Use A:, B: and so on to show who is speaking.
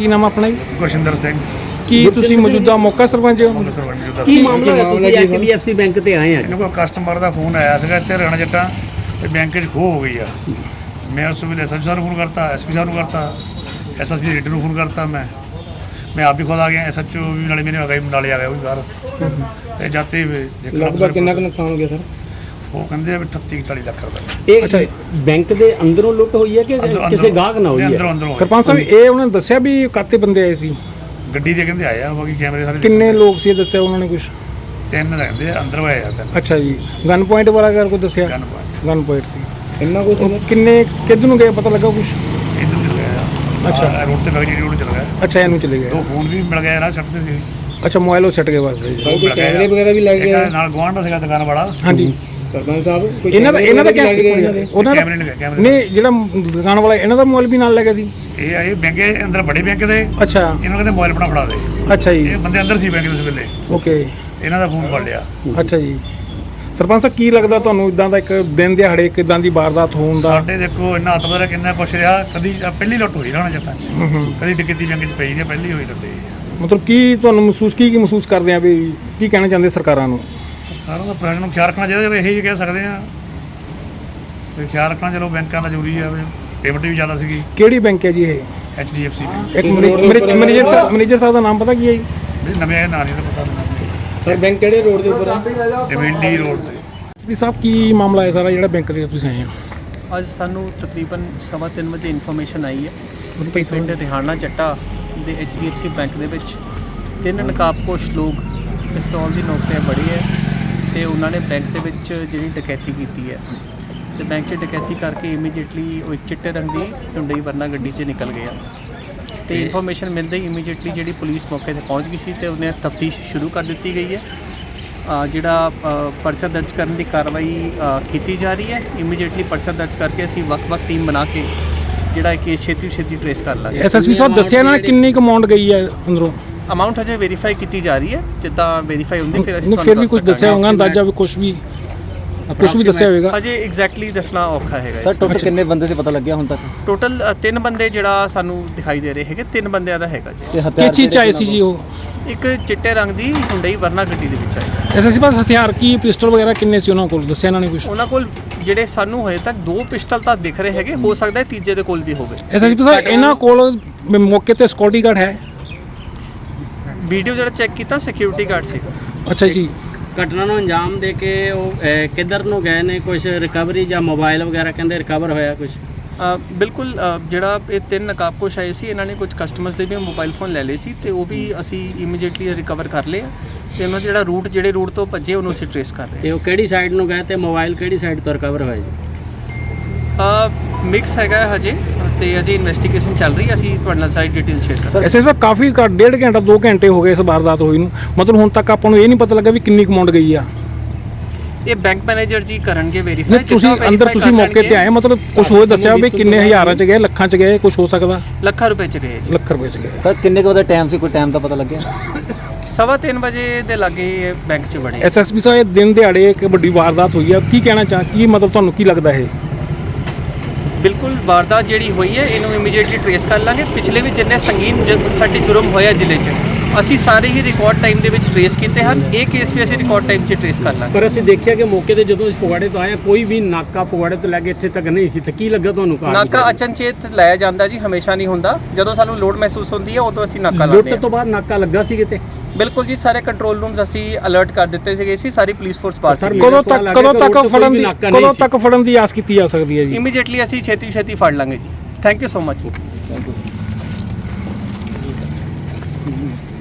A: ਕੀ ਨਾਮ ਆਪਣਾ ਜੀ?
B: ਗੁਰਸ਼ਿੰਦਰ ਸਿੰਘ।
A: ਕੀ ਤੁਸੀਂ ਮੌਜੂਦਾ ਮੌਕਾ ਸਰਪੰਚ ਹੋ?
C: ਕੀ ਮਾਮਲਾ ਹੈ? ਤੁਸੀਂ HDFC ਬੈਂਕ ਤੇ ਆਏ ਆ?
B: ਇਹਨਾਂ ਕੋਲ ਕਸਟਮਰ ਦਾ ਫੋਨ ਆਇਆ ਸੀਗਾ ਇੱਥੇ ਰਾਣਾ ਜੱਟਾਂ ਤੇ ਬੈਂਕ 'ਚ ਖੋਹ ਹੋ ਗਈ ਆ। ਮੈਂ ਉਸ ਵੇਲੇ SSP ਸਾਹਿਬ ਨੂੰ ਫੋਨ ਕਰਤਾ, SP ਸਾਹਿਬ ਨੂੰ ਕਰਤਾ, SSP ਰੇਡਰ ਨੂੰ ਫੋਨ ਕਰਤਾ। ਮੈਂ ਆਪ ਵੀ ਖੁਦ ਆ ਗਿਆ, SHO ਵੀ ਨਾਲੇ ਮੇਰੇ ਆ ਗਿਆ, ਨਾਲੇ ਆ ਗਿਆ ਉਹ ਵੀ ਬਾਹਰ। ਤੇ ਜਾਤੇ
D: ਲਗਭਗ ਕਿੰਨਾ ਕੁ ਨੁਕਸਾਨ ਹੋ ਗਿਆ ਸਰ?
B: ਉਹ ਕਹਿੰਦੇ 38-40 ਲੱਖ ਰੁਪਏ।
C: ਇਹ ਬੈਂਕ ਦੇ ਅੰਦਰੋਂ ਲੁੱਟ ਹੋਈ ਹੈ ਕਿ ਕਿਸੇ ਗਾਹਕ ਨਾਲ ਹੋਈ ਹੈ?
B: ਅੰਦਰੋਂ।
A: ਸਰਪੰਚ ਸਾਹਿਬ ਇਹ ਉਹਨਾਂ ਨੇ ਦੱਸਿਆ ਵੀ ਕਾਤੇ ਬੰਦੇ ਆਏ ਸੀ?
B: ਗੱਡੀ ਦੇ ਕਹਿੰਦੇ ਆਏ ਆ, ਬਾਕੀ ਕੈਮਰੇ ਸਾਰੇ।
A: ਕਿੰਨੇ ਲੋਕ ਸੀ ਦੱਸਿਆ ਉਹਨਾਂ ਨੇ ਕੁਝ?
B: 3 ਰਹਿੰਦੇ ਆ ਅੰਦਰ ਆਏ ਆ 3।
A: ਅੱਛਾ ਜੀ। ਗਨ ਪੁਆਇੰਟ ਵਾਲਾ ਕਰ ਕੋਈ ਦੱਸਿਆ? ਗਨ ਪੁਆਇੰਟ ਸੀ।
D: ਇੰਨਾ ਕੁਛ
A: ਕਿੰਨੇ ਕਿੱਧਰ ਨੂੰ ਗਏ ਪਤਾ ਲੱਗਾ ਕੁਝ?
B: ਇੱਧਰ ਚਲ ਗਿਆ।
A: ਅੱਛਾ,
B: ਰੋਡ ਤੇ ਬਗੜੀ ਰੋਡ ਚਲ ਗਿਆ।
A: ਅੱਛਾ, ਇਹਨੂੰ ਚਲੇ ਗਏ।
B: 2 ਫੋਨ ਵੀ ਮਿਲ ਗਏ ਰਾਹ ਛੱਡਦੇ ਸੀ।
A: ਅੱਛਾ, ਮੋਬਾਈਲ ਉਹ ਛੱਡ ਗਏ ਬਸ ਜੀ।
D: ਕੋਈ ਕੈਮਰੇ ਵਗੈਰਾ ਵੀ ਲੱਗ ਗਿਆ
B: ਨਾਲ ਗੁਆਂਢ ਦਾ ਸੀਗਾ ਦੁਕਾਨ ਵਾਲਾ।
A: ਹਾਂਜੀ
D: ਸਰਪੰਚ ਸਾਹਿਬ, ਕੋਈ
A: ਇਹਨਾਂ ਦਾ
D: ਉਹਨਾਂ ਦਾ
B: ਕੈਮਰੇ
A: ਨਹੀਂ, ਜਿਹੜਾ ਦੁਕਾਨ ਵਾਲਾ ਇਹਨਾਂ ਦਾ ਮੋਬਾਈਲ ਵੀ ਨਾਲ ਲੈ ਗਿਆ ਸੀ?
B: ਇਹ ਬੈਂਕ ਦੇ ਅੰਦਰ ਬੜੇ ਬੈਂਕ ਦੇ।
A: ਅੱਛਾ,
B: ਇਹਨਾਂ ਕਹਿੰਦੇ ਮੋਬਾਈਲ ਬਣਾ ਫੜਾ ਦੇ।
A: ਅੱਛਾ ਜੀ।
B: ਇਹ ਬੰਦੇ ਅੰਦਰ ਸੀ ਬੈਂਕ ਦੇ ਉਸ ਵੇਲੇ।
A: ਓਕੇ।
B: ਇਹਨਾਂ ਦਾ ਫੋਨ ਫੜ ਲਿਆ।
A: ਅੱਛਾ ਜੀ। ਸਰਪੰਚ ਸਾਹਿਬ ਕੀ ਲੱਗਦਾ ਤੁਹਾਨੂੰ ਇਦਾਂ ਦਾ ਇੱਕ ਦਿਨ ਦਿਹਾੜੇ ਕਿਦਾਂ ਦੀ ਵਾਰਦਾਤ ਹੋਣ ਦਾ?
B: ਸਾਡੇ ਦੇਖੋ ਇੰਨਾ ਹੱਥ ਬਦਲ ਕਿੰਨਾ ਕੁਛ ਰਿਹਾ। ਕਦੀ ਪਹਿਲੀ ਲੁੱਟ ਹੋਈ ਰਾਣਾ ਜੱਟਾਂ 'ਚ, ਕਦੀ ਡਕੈਤੀ ਬੈਂਕ 'ਚ ਪਈ ਨਹੀਂ, ਪਹਿਲੀ ਹੋਈ ਲੁੱਟ।
A: ਮਤਲਬ ਕੀ ਤੁਹਾਨੂੰ ਮਹਿਸੂਸ ਕਰਦੇ ਆ ਵੀ ਕੀ ਕਹਿਣਾ ਚਾਹੁੰਦੇ ਸਰਕਾਰਾਂ ਨੂੰ?
B: ਸਰਕਾਰਾਂ ਦਾ ਪ੍ਰਸ਼ਾਸਨ ਨੂੰ ਖਿਆਲ ਰੱਖਣਾ ਚਾਹੀਦਾ। ਇਹੀ ਕਹਿ ਸਕਦੇ ਆ ਵੀ ਖਿਆਲ ਰੱਖਣਾ। ਚਲੋ ਬੈਂਕਾਂ ਦਾ ਜ਼ਰੂਰੀ ਆ, ਪੇਮੈਂਟ ਵੀ ਜ਼ਿਆਦਾ ਸੀਗੀ।
A: ਕਿਹੜੀ ਬੈਂਕ ਹੈ ਜੀ ਇਹ?
B: HDFC।
A: ਇੱਕ ਮੈਨੇਜਰ ਸਾਹਿਬ ਦਾ ਨਾਮ ਪਤਾ ਕੀ ਹੈ ਜੀ?
B: ਨਵੇਂ ਆਏ ਨਾਂ ਨਹੀਂ ਪਤਾ
D: ਸਰ ਬੈਂਕ ਕਿਹੜੇ ਰੋਡ ਦੇ ਉੱਪਰ ਆ?
B: ਡਿਵੈਂਡੀ ਰੋਡ ਤੇ।
A: SP ਸਾਹਿਬ ਕੀ ਮਾਮਲਾ ਹੈ ਸਾਰਾ ਜਿਹੜਾ ਬੈਂਕ ਦੇ ਤੁਸੀਂ ਆਏ ਆ?
E: ਅੱਜ ਸਾਨੂੰ ਤਕਰੀਬਨ 3:15 ਵਜੇ ਇਨਫੋਰਮੇਸ਼ਨ ਆਈ ਹੈ
A: ਉਹਨੂੰ
E: ਪਿੰਡ ਰਿਹਾਨਾ ਚੱਟਾ ਦੇ HDFC ਬੈਂਕ ਦੇ ਵਿੱਚ 3 ਨਕਾਬਪੋਸ਼ ਲੋਕ ਪਿਸਤੌਲ ਦੀ ਨੋਕ 'ਤੇ ਬੜੇ ਹੈ ਤੇ ਉਹਨਾਂ ਨੇ ਬੈਂਕ ਦੇ ਵਿੱਚ ਜਿਹੜੀ ਡਕੈਤੀ ਕੀਤੀ ਹੈ ਤੇ ਬੈਂਕ 'ਚ ਡਕੈਤੀ ਕਰਕੇ ਇਮੀਡੀਏਟਲੀ ਉਹ ਇੱਕ ਚਿੱਟੇ ਰੰਗ ਦੀ ਹੁੰਡਈ ਵਰਨਾ ਗੱਡੀ 'ਚ ਨਿਕਲ ਗਿਆ ਤੇ ਇਨਫੋਰਮੇਸ਼ਨ ਮਿਲਦੇ ਹੀ ਇਮੀਡੀਏਟਲੀ ਜਿਹੜੀ ਪੁਲਿਸ ਮੌਕੇ 'ਤੇ ਪਹੁੰਚ ਗਈ ਸੀ ਤੇ ਉਹਨੇ ਤਫਤੀਸ਼ ਸ਼ੁਰੂ ਕਰ ਦਿੱਤੀ ਗਈ ਹੈ। ਜਿਹੜਾ ਪਰਚਾ ਦਰਜ ਕਰਨ ਦੀ ਕਾਰਵਾਈ ਕੀਤੀ ਜਾ ਰਹੀ ਹੈ। ਇਮੀਡੀਏਟਲੀ ਪਰਚਾ ਦਰਜ ਕਰਕੇ ਅਸੀਂ ਵੱਖ-ਵੱਖ ਟੀਮ ਬਣਾ ਕੇ ਜਿਹੜਾ ਕੇਸ ਛੇਤੀ ਟ੍ਰੇਸ ਕਰ ਲਾਂਗੇ।
A: SSP ਸਾਹਿਬ ਦੱਸਿਆ ਇਹਨਾਂ ਨੇ ਕਿੰਨੀ ਕੁ ਅਮਾਉਂਟ ਗਈ ਹੈ ਅੰਦਰੋਂ?
E: ਅਮਾਊਂਟ ਹਜੇ ਵੈਰੀਫਾਈ ਕੀਤੀ ਜਾ ਰਹੀ ਹੈ। ਜਿੱਦਾਂ ਵੈਰੀਫਾਈ ਹੁੰਦੀ ਫਿਰ ਅਸੀਂ
A: ਫਿਰ ਵੀ ਕੁਝ ਦੱਸਿਆ ਹੋਊਗਾ ਅੰਦਾਜ਼ਾ ਵੀ ਕੁਝ ਵੀ ਦੱਸਿਆ ਹੋਵੇਗਾ?
E: ਹਜੇ ਐਗਜ਼ੈਕਟਲੀ ਦੱਸਣਾ ਔਖਾ ਹੈਗਾ।
C: ਸਰ ਟੋਟਲ ਕਿੰਨੇ ਬੰਦੇ ਸੀ ਪਤਾ ਲੱਗਿਆ ਹੁਣ ਤੱਕ?
E: ਟੋਟਲ 3 ਬੰਦੇ ਜਿਹੜਾ ਸਾਨੂੰ ਦਿਖਾਈ ਦੇ ਰਹੇ ਹੈਗੇ। 3 ਬੰਦਿਆਂ ਦਾ ਹੈਗਾ ਜੀ।
A: ਕਿਸ ਚੀਜ਼ 'ਚ ਆਏ ਸੀ ਜੀ ਉਹ?
E: ਇੱਕ ਚਿੱਟੇ ਰੰਗ ਦੀ ਹੁੰਡਈ ਵਰਨਾ ਗੱਡੀ ਦੇ ਵਿੱਚ ਆਈ।
A: SSP ਸਾਹਿਬ ਹਥਿਆਰ ਕੀ ਪਿਸਟਲ ਵਗੈਰਾ ਕਿੰਨੇ ਸੀ ਉਹਨਾਂ ਕੋਲ? ਦੱਸਿਆ ਇਹਨਾਂ ਨੇ ਕੁਝ?
E: ਉਹਨਾਂ ਕੋਲ ਜਿਹੜੇ ਸਾਨੂੰ ਹਜੇ ਤੱਕ 2 ਪਿਸਟਲ ਤਾਂ ਦਿਖ ਰਹੇ ਹੈਗੇ, ਹੋ ਸਕਦਾ ਹੈ ਤੀਜੇ ਦੇ ਕੋਲ ਵੀ ਹੋਵੇ।
A: SSP ਸਾਹਿਬ ਇਹਨਾਂ ਕੋਲ ਮੌਕੇ ਤੇ ਸਿਕਿਉਰਿਟੀ ਗਾਰਡ ਹੈ?
E: ਵੀਡੀਓ ਜਿਹੜਾ ਚੈੱਕ ਕੀਤਾ ਸਿਕਿਉਰਿਟੀ ਗਾਰਡ ਸੀਗਾ।
A: ਅੱਛਾ ਜੀ।
F: ਘਟਨਾ ਨੂੰ ਅੰਜਾਮ ਦੇ ਕੇ ਉਹ ਕਿੱਧਰ ਨੂੰ ਗਏ ਨੇ? ਕੁਝ ਰਿਕਵਰੀ ਜਾਂ ਮੋਬਾਈਲ ਵਗੈਰਾ ਕਹਿੰਦੇ ਰਿਕਵਰ ਹੋਇਆ ਕੁਝ?
E: ਬਿਲਕੁਲ। ਜਿਹੜਾ ਇਹ 3 ਨਕਾਬਪੋਸ਼ ਆਏ ਸੀ ਇਹਨਾਂ ਨੇ ਕੁਝ ਕਸਟਮਰਸ ਦੇ ਵੀ ਮੋਬਾਈਲ ਫੋਨ ਲੈ ਲਏ ਸੀ ਤੇ ਉਹ ਵੀ ਅਸੀਂ ਇਮੀਡੀਏਟਲੀ ਰਿਕਵਰ ਕਰ ਲਏ ਤੇ ਉਹਨਾਂ ਜਿਹੜਾ ਜਿਹੜੇ ਰੂਟ ਤੋਂ ਭੱਜੇ ਉਹਨੂੰ ਅਸੀਂ ਟ੍ਰੇਸ ਕਰ ਰਹੇ
F: ਤੇ ਉਹ ਕਿਹੜੀ ਸਾਈਡ ਨੂੰ ਗਏ ਤੇ ਮੋਬਾਈਲ ਕਿਹੜੀ ਸਾਈਡ ਤੋਂ ਰਿਕਵਰ ਹੋਇਆ ਜੀ?
E: ਮਿਕਸ ਹੈਗਾ ਹਜੇ ਤੇ ਅਜੇ ਇਨਵੈਸਟੀਗੇਸ਼ਨ ਚੱਲ ਰਹੀ ਹੈ। ਅਸੀਂ ਤੁਹਾਡੇ ਨਾਲ ਸਾਰੀ ਡਿਟੇਲ ਸ਼ੇਅਰ ਕਰਾਂਗੇ।
A: SSP ਸਾਹਿਬ ਕਾਫੀ 1.5 ਘੰਟਾ 2 ਘੰਟੇ ਹੋ ਗਏ ਇਸ ਵਾਰਦਾਤ ਹੋਈ ਨੂੰ, ਮਤਲਬ ਹੁਣ ਤੱਕ ਆਪਾਂ ਨੂੰ ਇਹ ਨਹੀਂ ਪਤਾ ਲੱਗਾ ਵੀ ਕਿੰਨੀ ਅਮਾਉਂਟ ਗਈ ਆ?
E: ਇਹ ਬੈਂਕ ਮੈਨੇਜਰ ਜੀ ਕਰਨਗੇ ਵੈਰੀਫਾਈ।
A: ਤੁਸੀਂ ਅੰਦਰ ਤੁਸੀਂ ਮੌਕੇ ਤੇ ਆਏ, ਮਤਲਬ ਕੁਝ ਹੋਰ ਦੱਸਿਆ ਵੀ ਕਿੰਨੇ ਹਜ਼ਾਰਾਂ 'ਚ ਗਏ, ਲੱਖਾਂ 'ਚ ਗਏ, ਕੁਝ ਹੋ ਸਕਦਾ?
E: ਲੱਖਾਂ ਰੁਪਏ 'ਚ ਗਏ ਜੀ।
A: ਲੱਖ ਰੁਪਏ 'ਚ ਗਏ।
C: ਸਰ ਕਿੰਨੇ ਕੁ ਦਾ ਟਾਈਮ ਸੀ? ਕੋਈ ਟਾਈਮ ਦਾ ਪਤਾ ਲੱਗਿਆ?
E: 3:15 ਵਜੇ ਦੇ ਲਾਗੇ ਬੈਂਕ 'ਚ ਵੜੇ।
A: SSP ਸਾਹਿਬ ਇਹ ਦਿਨ ਦਿਹਾੜੇ ਇੱਕ ਵੱਡੀ ਵਾਰਦਾਤ ਹੋਈ ਆ, ਕੀ ਕਹਿਣਾ ਕੀ ਮਤਲਬ ਤੁਹਾਨੂੰ ਕੀ ਲੱਗਦਾ ਇਹ?
E: ਬਿਲਕੁਲ ਵਾਰਦਾਤ ਜਿਹੜੀ ਹੋਈ ਹੈ ਇਹਨੂੰ ਇਮੀਡੀਏਟਲੀ ਟ੍ਰੇਸ ਕਰ ਲਾਂਗੇ। ਪਿਛਲੇ ਵੀ ਜਿੰਨੇ ਸੰਗੀਨ ਸਾਡੇ ਜੁਰਮ ਹੋਇਆ ਜ਼ਿਲ੍ਹੇ 'ਚ ਅਸੀਂ ਸਾਰੇ ਹੀ ਰਿਕਾਰਡ ਟਾਈਮ ਦੇ ਵਿੱਚ ਟ੍ਰੇਸ ਕੀਤੇ ਹਨ। ਇਹ ਕੇਸ ਵੀ ਅਸੀਂ ਰਿਕਾਰਡ ਟਾਈਮ 'ਚ ਟ੍ਰੇਸ ਕਰ ਲਾਂਗੇ।
F: ਪਰ ਅਸੀਂ ਦੇਖਿਆ ਕਿ ਮੌਕੇ ਤੇ ਜਦੋਂ ਫਗਵਾੜੇ ਤੋਂ ਆਏ ਕੋਈ ਵੀ ਨਾਕਾ ਫਗਵਾੜੇ ਤੋਂ ਲੈ ਕੇ ਇੱਥੇ ਤੱਕ ਨਹੀਂ ਸੀ ਤੇ ਕੀ ਲੱਗਾ ਤੁਹਾਨੂੰ?
E: ਨਾਕਾ ਅਚਨਚੇਤ ਲਾਇਆ ਜਾਂਦਾ ਜੀ, ਹਮੇਸ਼ਾ ਨਹੀਂ ਹੁੰਦਾ। ਜਦੋਂ ਸਾਨੂੰ ਲੋਡ ਮਹਿਸੂਸ ਹੁੰਦੀ ਹੈ ਉਦੋਂ ਅਸੀਂ ਨਾਕਾ ਲਾਉਂਦੇ ਹਾਂ।
F: ਲੁੱਟ ਤੋਂ ਬਾਅਦ ਨਾਕਾ ਲੱਗਾ ਸੀ ਕਿਤੇ?
E: ਬਿਲਕੁਲ ਜੀ, ਸਾਰੇ ਕੰਟਰੋਲ ਰੂਮਸ ਅਸੀਂ ਅਲਰਟ ਕਰ ਦਿੱਤੇ ਸੀਗੇ ਸੀ। ਸਾਰੀ ਪੁਲਿਸ ਫੋਰਸ ਪਾਸ ਸੀ।
A: ਕਦੋਂ ਤੱਕ ਫੜਨ ਦੀ ਆਸ ਕੀਤੀ ਜਾ ਸਕਦੀ ਹੈ ਜੀ?
E: ਇਮੀਡੀਏਟਲੀ ਅਸੀਂ ਛੇਤੀ ਫੜ ਲਾਂਗੇ ਜੀ। Thank you so much.
C: Thank you.